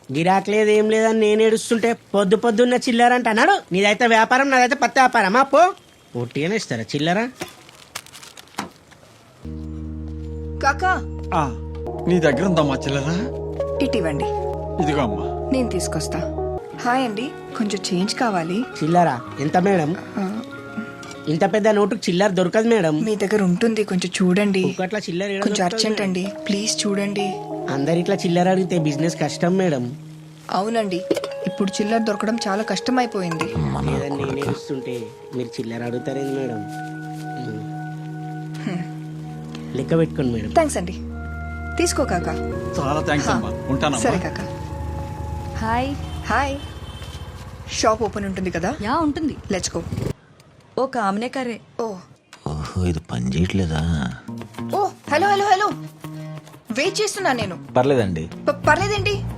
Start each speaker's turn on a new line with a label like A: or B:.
A: గిరాక్ లేదు ఏం లేదని నేను ఏడుస్తుంటే పొద్దున్న చిల్లరంట అన్నాడు. నీదైతే వ్యాపారం, నాదైతే పత్తి వ్యాపారం. పో ఒట్టిగానే ఇస్తారా చిల్లర?
B: కాకా
C: నీ దగ్గర ఉందమ్మా చిల్లరా?
B: ఇటివ్వండి,
C: ఇదిగో అమ్మా.
B: నేను తీసుకొస్తా. హాయ్ అండి, కొంచెం చేంజ్ కావాలి.
A: చిల్లరా ఎంత మేడం? ఇంత పెద్ద నోటుకు చిల్లర దొరకదు మేడం.
B: మీ దగ్గర ఉంటుంది, కొంచెం చూడండి.
A: ఒకట్లా చిల్లర ఏడ
B: కొంచెం
A: దొరుకుతది
B: అర్జెంట్
A: మేడం?
B: అండి, ప్లీజ్ చూడండి.
A: అందరిట్లా చిల్లర అడిగితే బిజినెస్ కష్టం మేడం.
B: అవునండి, ఇప్పుడు చిల్లర దొరకడం చాలా కష్టం అయిపోయింది.
A: లేదని నేను ఏడుస్తుంటే మీరు చిల్లర అడుగుతారేంది మేడం? లెక్క పెట్టుకోండి మేడం.
B: థ్యాంక్స్ అండి, తీసుకో కాకా.
C: చాలా థ్యాంక్స్ అమ్మా, ఉంటానమ్మా.
B: సరే కాకా.
D: హాయ్.
B: హాయ్. షాప్ ఓపెన్ ఉంటుంది కదా?
D: యా ఉంటుంది.
B: Let's go.
D: ఓ కామనే కరే.
B: ఓ
E: ఓహో ఇది పని చేయట్లేదా?
B: ఓ హలో హలో హలో, వెయిట్ చేస్తున్నా నేను.
E: పర్లేదండి.
B: పర్లేదేంటి?